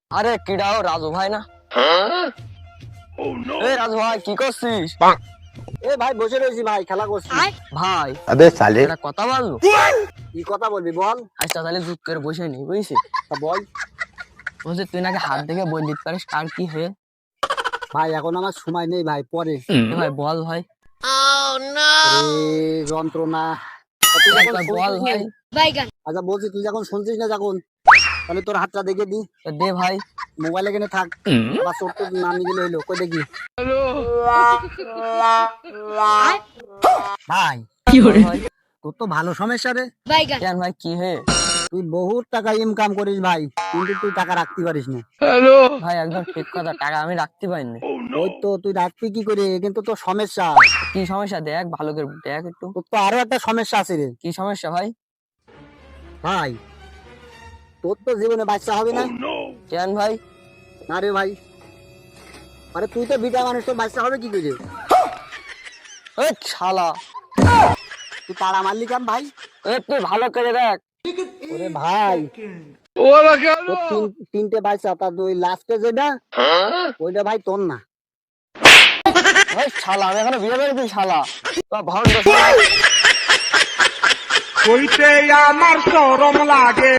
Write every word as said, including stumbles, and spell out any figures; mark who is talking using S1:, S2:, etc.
S1: আরে কিডাও রাজু ভাই না? এই রাজু ভাই কি করছিস?
S2: এ ভাই বসে রয়েছি ভাই, খেলা করছি
S1: ভাই
S3: अबे साले
S1: একটা কথা বলবো?
S2: কি কথা বলবি বল।
S1: আচ্ছা তাহলে জুত করে বসে নি বুঝছিস?
S2: তা বল
S1: বলছে তুই নাকি হাত দেখে বললি পারিস কার কি হয়ে?
S2: ভাই, এখন আমার সময় নেই ভাই, পরে।
S1: এ ভাই বল ভাই,
S2: এ যন্ত্রণা। তা তুই যখন
S1: একবার বল
S2: শুনছিস
S1: ভাই।
S2: না- আচ্ছা বলছি, তুই যখন শুনছিস না যখন, তাহলে তোর হাতটা দেখে দি।
S1: তো দে ভাই।
S2: মোবাইল এখানে থাক, আবার চোট টোট না নিয়ে গেলে হইলো, কই দেখি ভাই।
S1: বল ভাই
S2: তোর তো ভালো সমস্যা রে।
S1: কেন ভাই কি হয়ে?
S2: তুই বহুত টাকা ইনকাম করিস ভাই, কিন্তু তুই টাকা রাখতে পারিস না।
S1: ভাই একদম ঠিক কথা, টাকা আমি রাখতে পারিনি।
S2: ওই তো তুই রাখবি কি করে, কিন্তু তোর সমস্যা।
S1: কি সমস্যা দেখ ভালো করে দেখ একটু।
S2: তোর তো আরো একটা সমস্যা আছে রে
S1: কি সমস্যা ভাই?
S2: ভাই। তোর তো জীবনে বাচ্চা হবে না।
S1: কেন ভাই?
S2: না রে ভাই, আরে তুই তো বিটা মানুষ, তোর বাচ্চা হবে কি করে?
S1: এই শালা,
S2: তুই তাড়া মারলি কেন ভাই?
S1: এ তুই ভালো করে দেখ।
S2: ওরে ভাই, তোর তিন- তিনটে বাচ্চা, তার ওই লাস্টে যেটা, ওইটা ভাই তোর না।
S1: এই শালা আমি এখনো বিয়ে করেছি শালা। তো ভণ্ড
S4: কইতে আমার শরম লাগে।